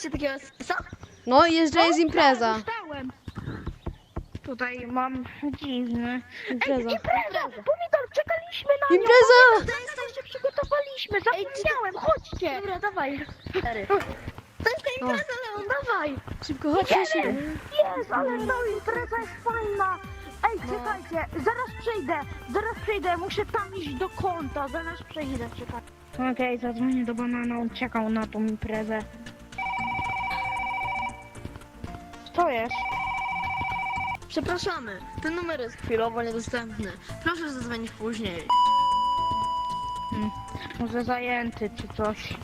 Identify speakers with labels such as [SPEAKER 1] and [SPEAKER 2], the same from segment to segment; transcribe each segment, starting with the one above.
[SPEAKER 1] dostaliście takiego co?
[SPEAKER 2] No, jest, że jest impreza.
[SPEAKER 3] Dostałem. Tutaj mam dziwny.
[SPEAKER 2] Impreza.
[SPEAKER 3] Impreza! Pomidor, czekaliśmy na nią!
[SPEAKER 2] Impreza!
[SPEAKER 3] Pamiętaj, że przygotowaliśmy, zapomniałem, chodźcie!
[SPEAKER 1] Dobra, dawaj. Cztery. To jest ta impreza, Leon, dawaj.
[SPEAKER 2] Szybko, chodź, szybko.
[SPEAKER 3] Jest, ale ta impreza jest fajna! Ej, czekajcie, zaraz przejdę, muszę tam iść do konta, zaraz przejdę, czekaj. Okej, zadzwonię do banana, on czekał na tą imprezę. Co jest?
[SPEAKER 1] Przepraszamy, ten numer jest chwilowo niedostępny. Proszę zadzwonić później.
[SPEAKER 3] Może zajęty czy coś.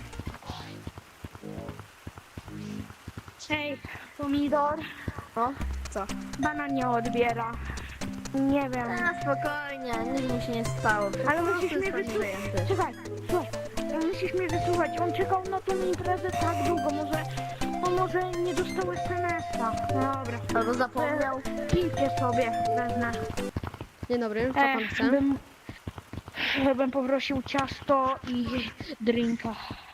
[SPEAKER 3] Hej, pomidor.
[SPEAKER 1] No, co?
[SPEAKER 3] Banan nie odbiera. Nie wiem.
[SPEAKER 1] Spokojnie, nic mu się nie stało.
[SPEAKER 3] Ale musisz
[SPEAKER 1] Proszę,
[SPEAKER 3] mnie
[SPEAKER 1] jest
[SPEAKER 3] wysłuchać.
[SPEAKER 1] zajęty.
[SPEAKER 3] Czekaj, słuchaj. Musisz mnie wysłuchać. On czekał na tą imprezę tak długo. Może nie dostał SMS-a. Dobra.
[SPEAKER 1] Albo zapomniał.
[SPEAKER 3] Pijcie sobie, wezmę.
[SPEAKER 2] Dzień dobry, co pan chce?
[SPEAKER 3] Bym poprosił ciasto i drinka.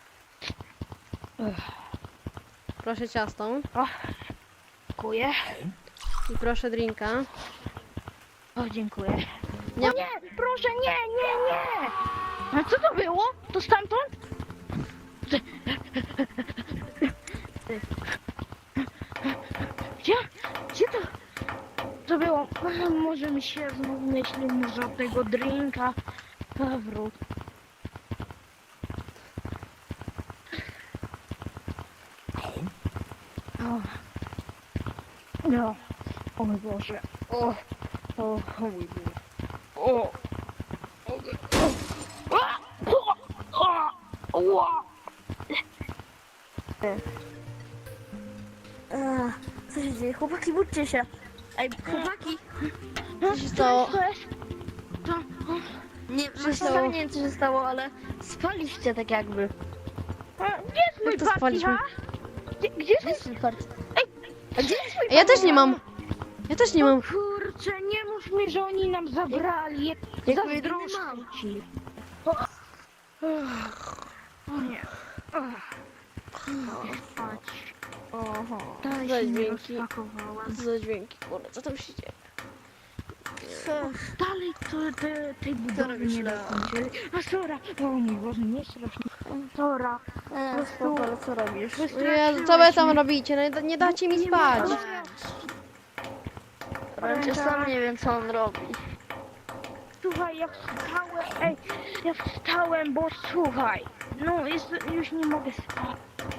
[SPEAKER 2] Proszę ciasto.
[SPEAKER 3] O, dziękuję.
[SPEAKER 2] I proszę drinka.
[SPEAKER 3] O, dziękuję.
[SPEAKER 2] Nie.
[SPEAKER 3] O nie, proszę, nie. A co to było? To stamtąd? Gdzie to było? Może mi się znów myśli, może od tego drinka. Wróć. No. O mój Boże. O mój Boże. O.
[SPEAKER 1] Co się dzieje? Chłopaki, budźcie się. Ej, chłopaki.
[SPEAKER 2] Co się stało?
[SPEAKER 1] Nie, właśnie
[SPEAKER 2] stało?
[SPEAKER 1] nie wiem co się stało, ale spaliście tak jakby.
[SPEAKER 3] Gdzie jest mój
[SPEAKER 2] Jak to
[SPEAKER 3] party,
[SPEAKER 2] spaliśmy?
[SPEAKER 3] ha? Gdzie
[SPEAKER 1] Gdzie
[SPEAKER 3] jest
[SPEAKER 1] jest mój part? A gdzie jest mój
[SPEAKER 2] Ja też nie mam. Ja też nie mam.
[SPEAKER 3] Kurczę, nie mów mi, że oni nam zabrali.
[SPEAKER 1] jak my
[SPEAKER 3] Zazdroszczę
[SPEAKER 1] mam?
[SPEAKER 3] ci. O nie. Mogę spać.
[SPEAKER 1] Oho.
[SPEAKER 3] Dalej
[SPEAKER 2] Za
[SPEAKER 3] się nie
[SPEAKER 2] dźwięki.
[SPEAKER 3] rozpakowałam.
[SPEAKER 2] Co za dźwięki, kurde, co tam się dzieje?
[SPEAKER 3] Dalej tej budowy
[SPEAKER 1] robisz,
[SPEAKER 3] nie
[SPEAKER 1] Leo?
[SPEAKER 3] dokończyli. A Sora, o mój Boże, nie strasznie. Sora,
[SPEAKER 1] Spoko, ale co robisz?
[SPEAKER 2] Jezu, co wy tam robicie? No, nie dacie mi spać.
[SPEAKER 1] Ja sam nie wiem co on robi.
[SPEAKER 3] Słuchaj, ja wstałem, bo słuchaj, no już nie mogę spać.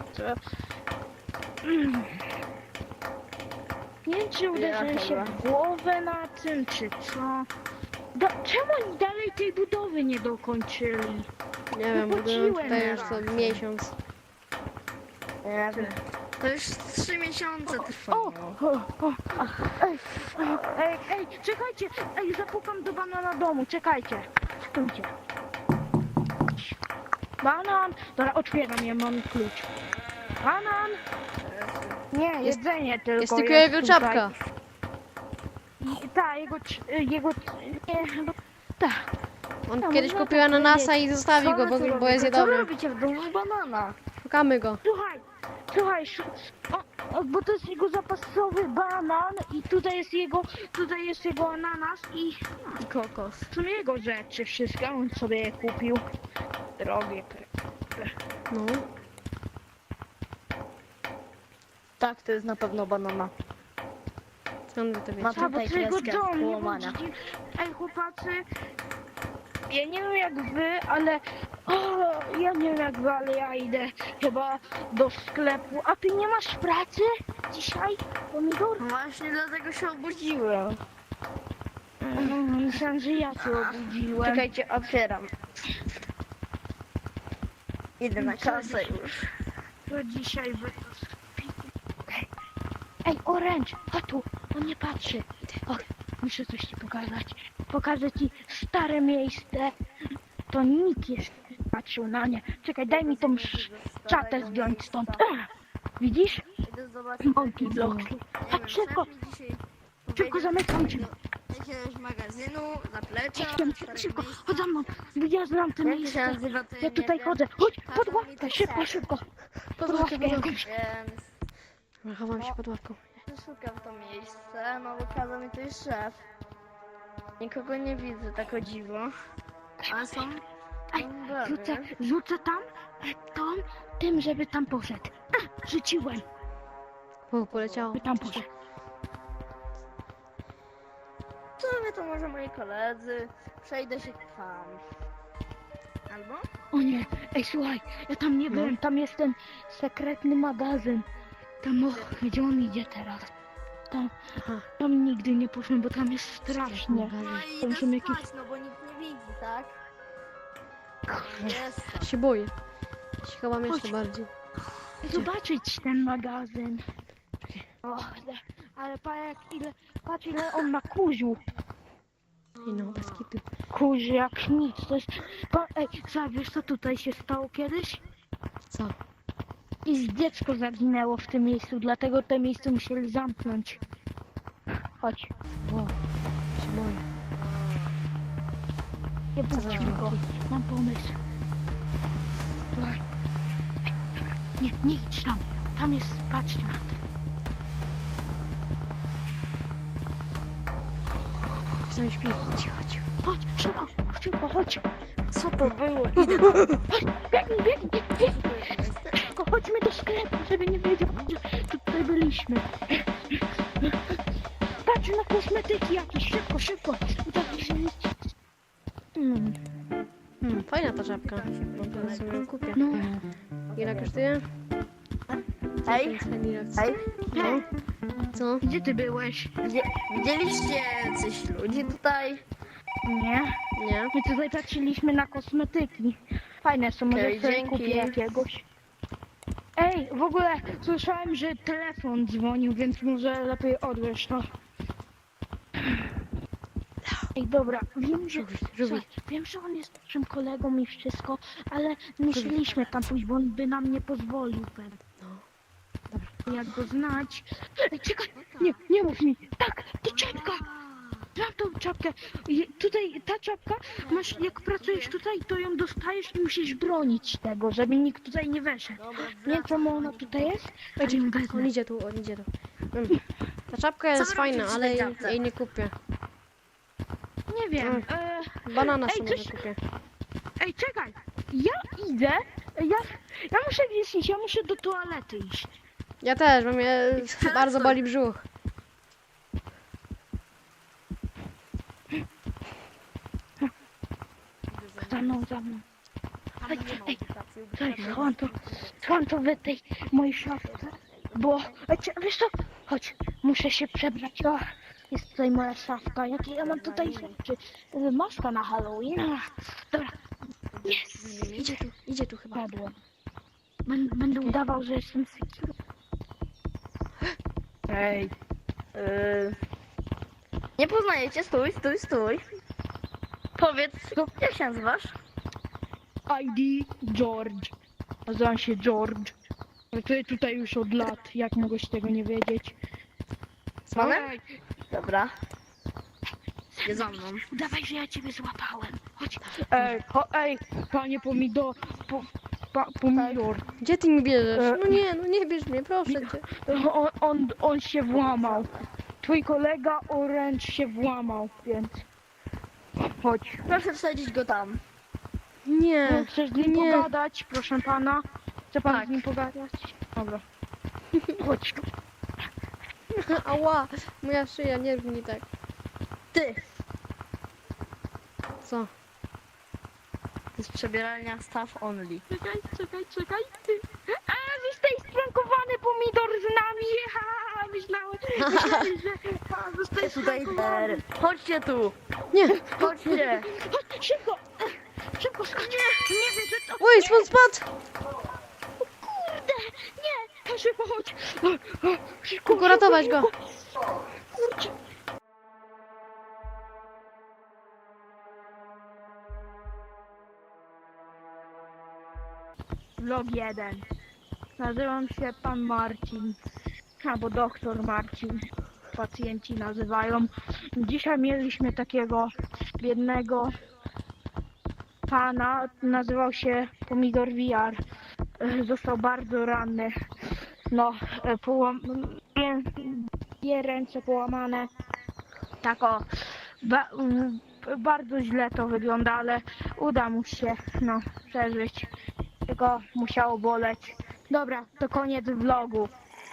[SPEAKER 3] Nie wiem, czy uderzyłem się w głowę na tym, czy co. Czemu oni dalej tej budowy nie dokończyli?
[SPEAKER 2] Nie wiem, buduję
[SPEAKER 3] Wypłaciłem
[SPEAKER 2] tutaj już
[SPEAKER 3] raz.
[SPEAKER 2] co miesiąc.
[SPEAKER 1] Nie wiem. To już 3 miesiące trwało.
[SPEAKER 3] Ej, czekajcie, zapukam do banana domu, czekajcie. Stójcie. Banan, dobra, otwieram, ja mam klucz. Banan. Nie, jedzenie tylko
[SPEAKER 2] Jest tylko jego
[SPEAKER 3] tutaj.
[SPEAKER 2] czapka.
[SPEAKER 3] Tak, jego, nie, no, tak.
[SPEAKER 2] On
[SPEAKER 3] No,
[SPEAKER 2] kiedyś
[SPEAKER 3] można
[SPEAKER 2] kupił
[SPEAKER 3] tak
[SPEAKER 2] ananasa i zostawił go,
[SPEAKER 1] Co wy tu
[SPEAKER 2] bo jest
[SPEAKER 1] robicie? Co wy
[SPEAKER 2] niedobry.
[SPEAKER 1] robicie w domu banana?
[SPEAKER 2] Szukamy go.
[SPEAKER 3] Słuchaj, bo to jest jego zapasowy banan i tutaj jest jego ananas i
[SPEAKER 1] Kokos.
[SPEAKER 3] są jego rzeczy wszystkie, on sobie je kupił. Drogie.
[SPEAKER 2] No.
[SPEAKER 1] Tak, to jest na pewno banana.
[SPEAKER 2] Skąd wy to
[SPEAKER 1] Ma
[SPEAKER 2] wiecie?
[SPEAKER 3] A, bo
[SPEAKER 1] tutaj
[SPEAKER 3] to jego
[SPEAKER 1] kreskę
[SPEAKER 3] dom, nie
[SPEAKER 1] połamania.
[SPEAKER 3] bądźcie. Ej, chłopacy, ja nie wiem jak wy, ale ja idę chyba do sklepu. A ty nie masz pracy dzisiaj, pomidor?
[SPEAKER 1] No właśnie dlatego się obudziłem.
[SPEAKER 3] Myślałem, że ja cię obudziłem.
[SPEAKER 1] Czekajcie, otwieram. Idę na kasę już.
[SPEAKER 3] To dzisiaj wy... Ej, Orange, chodź tu, on nie patrzy. O, muszę coś ci pokazać. Pokażę ci stare miejsce. To nikt jeszcze nie patrzył na nie. Czekaj, daj mi tą czatę zdjąć stąd. Widzisz?
[SPEAKER 1] Idę zobaczyć.
[SPEAKER 3] Monkey Block. Chodź szybko, szybko zamykam cię.
[SPEAKER 1] Jakiegoś magazynu, zaplecza.
[SPEAKER 3] Szybko, chodź za mną. Ja znam te
[SPEAKER 1] Jak się
[SPEAKER 3] miejsce.
[SPEAKER 1] nazywa to
[SPEAKER 3] Ja tutaj chodzę. Chodź, pod ławkę, szybko.
[SPEAKER 2] Podławkę, podławkę.
[SPEAKER 1] Więc
[SPEAKER 2] Chowam się pod ławką.
[SPEAKER 1] szukam to miejsce, no bo kazał mi tutaj szef. Nikogo nie widzę, tak o dziwo. Ale są...
[SPEAKER 3] Ej, rzucę tam, tym, żeby tam poszedł. Rzuciłem,
[SPEAKER 2] O, poleciało.
[SPEAKER 3] by tam poszedł.
[SPEAKER 1] Co wy to może moi koledzy? Przejdę się tam. Albo?
[SPEAKER 3] O nie, ej słuchaj, ja tam nie byłem, tam jest ten sekretny magazyn. Tam, gdzie on idzie teraz?
[SPEAKER 2] Aha.
[SPEAKER 3] Tam nigdy nie poszłem, bo tam jest strasznie.
[SPEAKER 1] No i
[SPEAKER 3] Tam
[SPEAKER 1] idę
[SPEAKER 3] są jakieś...
[SPEAKER 1] spać, no bo nikt nie widzi, tak? Jest
[SPEAKER 2] Ja się boję. Ja się chowam jeszcze
[SPEAKER 3] Chodź.
[SPEAKER 2] bardziej.
[SPEAKER 3] Zobaczyć ten magazyn. O, ale patrz ile on ma kuziu.
[SPEAKER 2] I no, bez kitu.
[SPEAKER 3] Kuzi jak nic, to jest... Ej, słuchaj, wiesz co tutaj się stało kiedyś?
[SPEAKER 2] Co?
[SPEAKER 3] I dziecko zaginęło w tym miejscu, dlatego to miejsce musieli zamknąć. Chodź,
[SPEAKER 2] Wow. Się boję.
[SPEAKER 3] nie puśćmy go. Mam pomysł. Słuchaj. Nie idź tam. Tam jest, patrzcie na to.
[SPEAKER 2] Sam śpi. Cicho, cicho.
[SPEAKER 3] Chodź, szybko, chodź.
[SPEAKER 1] Co to było? Idę
[SPEAKER 3] Chodź, biegnij. Szybko, chodźmy do sklepu, żeby nie wiedział, że tutaj byliśmy. Patrz na kosmetyki jakieś, szybko.
[SPEAKER 2] Fajna ta czapka. Może sobie ją kupię.
[SPEAKER 3] No,
[SPEAKER 2] Ile kosztuje?
[SPEAKER 1] Hej, hej.
[SPEAKER 2] No. Co?
[SPEAKER 3] gdzie ty byłeś?
[SPEAKER 1] Widzieliście coś ludzi tutaj?
[SPEAKER 3] Nie.
[SPEAKER 2] Nie?
[SPEAKER 3] My tutaj patrzyliśmy na kosmetyki. Fajne są, może
[SPEAKER 1] Okej,
[SPEAKER 3] sobie
[SPEAKER 1] dzięki.
[SPEAKER 3] kupię jakiegoś. Ej, w ogóle słyszałem, że telefon dzwonił, więc może lepiej odbierz to. Ej, dobra, wiem, że,
[SPEAKER 2] Żółwi.
[SPEAKER 3] wiem, że on jest naszym kolegą i wszystko, ale musieliśmy tam pójść, bo on by nam nie pozwolił pewnie.
[SPEAKER 2] No.
[SPEAKER 3] Jak go znać. Ej, czekaj, nie mów mi. Tak, to czapka. Mam tą czapkę. Tutaj ta czapka, masz, jak pracujesz tutaj, to ją dostajesz i musisz bronić tego, żeby nikt tutaj nie weszedł. Nie wiem, czemu ona tutaj jest. Ej, ją wezmę.
[SPEAKER 2] On idzie tu. Ta czapka jest
[SPEAKER 1] wy
[SPEAKER 2] fajna,
[SPEAKER 1] robicie
[SPEAKER 2] ale
[SPEAKER 1] przy tej czapce?
[SPEAKER 2] jej nie kupię.
[SPEAKER 3] Nie wiem.
[SPEAKER 2] Banana
[SPEAKER 3] Ej,
[SPEAKER 2] sobie
[SPEAKER 3] coś-
[SPEAKER 2] kupię.
[SPEAKER 3] Ej, czekaj. Ja idę. Ja muszę gdzieś iść, ja muszę do toalety iść.
[SPEAKER 2] Ja też, bo mnie bardzo boli brzuch.
[SPEAKER 3] Za mną. Ej, Słuchaj, schowam to w tej mojej szafce, bo... Wiesz co? Chodź, muszę się przebrać. O, jest tutaj moja szafka. Jakie ja mam tutaj rzeczy? Maska na Halloween. Dobra. Jest.
[SPEAKER 2] Idzie tu chyba.
[SPEAKER 3] Padłem. Będę udawał, że jestem secure.
[SPEAKER 1] Ej. Nie poznajecie? Stój. Powiedz, jak się nazywasz?
[SPEAKER 3] ID George. Nazywam się George. Pracuję tutaj już od lat. Jak mogłeś tego nie wiedzieć?
[SPEAKER 1] Panem?
[SPEAKER 3] Ej,
[SPEAKER 1] Dobra. Nie za mną.
[SPEAKER 3] udawaj, że ja ciebie złapałem. Chodź. Ej, panie pomidor. Pomidor.
[SPEAKER 2] Gdzie ty mi bierzesz? No nie bierz mnie, proszę cię.
[SPEAKER 3] On się włamał. Twój kolega Orange się włamał, więc... Chodź.
[SPEAKER 1] Proszę wsadzić go tam.
[SPEAKER 2] Nie.
[SPEAKER 3] Chcesz z nim
[SPEAKER 2] nie.
[SPEAKER 3] pogadać, proszę pana? Chce pan
[SPEAKER 1] Tak.
[SPEAKER 3] z nim pogadać? Dobra. Chodź tu.
[SPEAKER 2] Ała, moja szyja, nie rób mi tak.
[SPEAKER 1] Ty.
[SPEAKER 2] Co?
[SPEAKER 1] To jest przebieralnia staff only.
[SPEAKER 3] Czekaj. Jesteś sprankowany pomidor z nami. Ha, myślałem, że... Jesteś
[SPEAKER 1] Tutaj
[SPEAKER 3] sprankowany.
[SPEAKER 1] Chodźcie tu.
[SPEAKER 2] Nie.
[SPEAKER 1] Chodźcie.
[SPEAKER 3] Chodź, szybko, skacz. Nie wiem, że to...
[SPEAKER 2] Oj, spod spadł.
[SPEAKER 3] Kurde, nie, szybko chodź. Szybko,
[SPEAKER 2] Kuku, ratować go.
[SPEAKER 3] Kurczę. Vlog 1. Nazywam się pan Marcin. Albo doktor Marcin. Pacjenci nazywają. Dzisiaj mieliśmy takiego biednego pana. Nazywał się Pomidor VR. został bardzo ranny. No, dwie ręce połamane. Tak o, bardzo źle to wygląda, ale uda mu się, no, przeżyć. Tylko musiało boleć. Dobra, to koniec vlogu.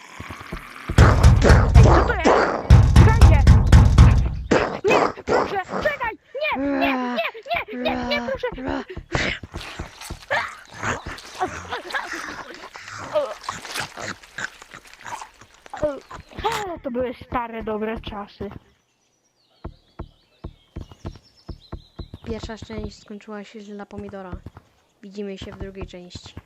[SPEAKER 3] Ej, co to jest? Czekajcie! Nie, proszę, czekaj! Nie, proszę! O, to były stare, dobre czasy.
[SPEAKER 2] Pierwsza część skończyła się źle dla pomidora. Widzimy się w drugiej części.